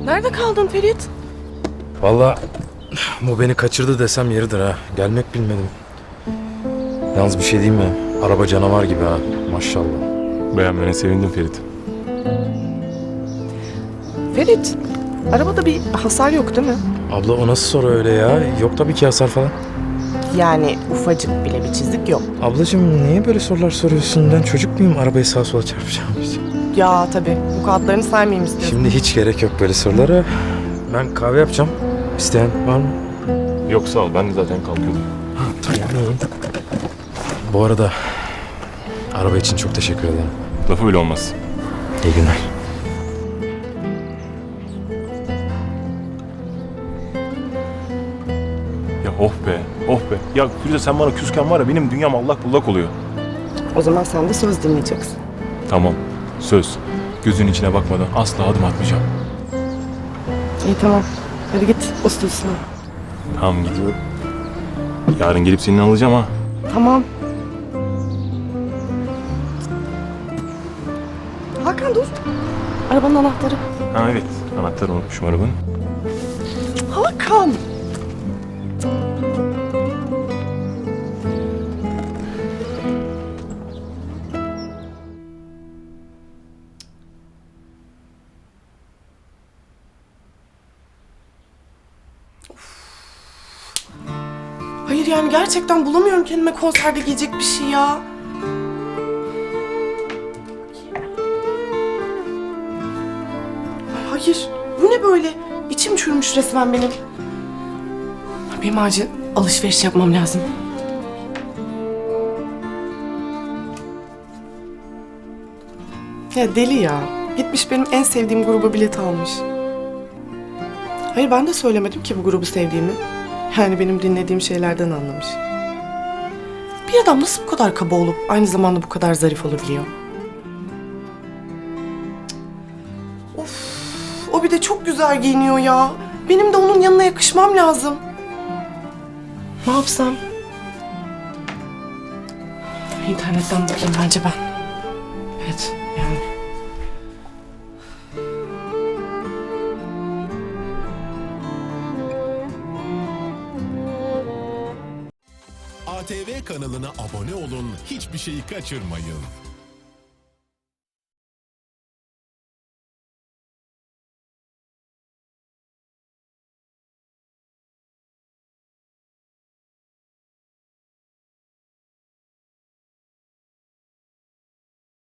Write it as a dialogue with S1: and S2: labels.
S1: Nerede kaldın Ferit?
S2: Vallahi bu beni kaçırdı desem yeridir ha. Gelmek bilmedim. Yalnız bir şey diyeyim mi? Araba canavar gibi ha. Maşallah.
S3: Beğenmene sevindim Ferit.
S1: Ferit, arabada bir hasar yok değil mi?
S2: Abla o nasıl soru öyle ya? Yok tabii ki hasar falan.
S1: Yani ufacık bile bir çizik yok.
S2: Ablacığım niye böyle sorular soruyorsun? Ben çocuk muyum? Arabayı sağa sola çarpacağım.
S1: Ya tabii, bu kağıtlarını saymayayım istiyorsun.
S2: Şimdi hiç gerek yok böyle sorulara. Ben kahve yapacağım. İsteyen var mı?
S3: Yok sağ ol, ben de zaten kalkıyordum.
S2: Tamam. Bu arada araba için çok teşekkür ederim.
S3: Lafı bile olmaz.
S2: İyi günler.
S3: Ya oh be, oh be. Ya Firuze sen bana küsken var ya benim dünyam allak bullak oluyor.
S1: O zaman sen de söz dinleyeceksin.
S3: Tamam, söz. Gözünün içine bakmadan asla adım atmayacağım.
S1: İyi tamam, hadi git ustasına.
S3: Tamam gidiyorum. Yarın gelip seni alacağım ha.
S1: Tamam. Hakan dur. Arabanın anahtarı.
S3: Ha evet, anahtarı unutmuşum arabanın.
S1: Hakan. Hayır yani gerçekten bulamıyorum kendime konserde giyecek bir şey ya. Ay hayır, bu ne böyle? İçim çürümüş resmen benim. Benim acil alışveriş yapmam lazım. Ya deli ya. Gitmiş benim en sevdiğim gruba bilet almış. Hayır ben de söylemedim ki bu grubu sevdiğimi. Yani benim dinlediğim şeylerden anlamış. Bir adam nasıl bu kadar kaba olup aynı zamanda bu kadar zarif olabiliyor? Of, o bir de çok güzel giyiniyor ya. Benim de onun yanına yakışmam lazım. Ne yapsam? İnternetten bakayım bence ben. Evet, yani.
S4: ATV kanalına abone olun, hiçbir şeyi kaçırmayın.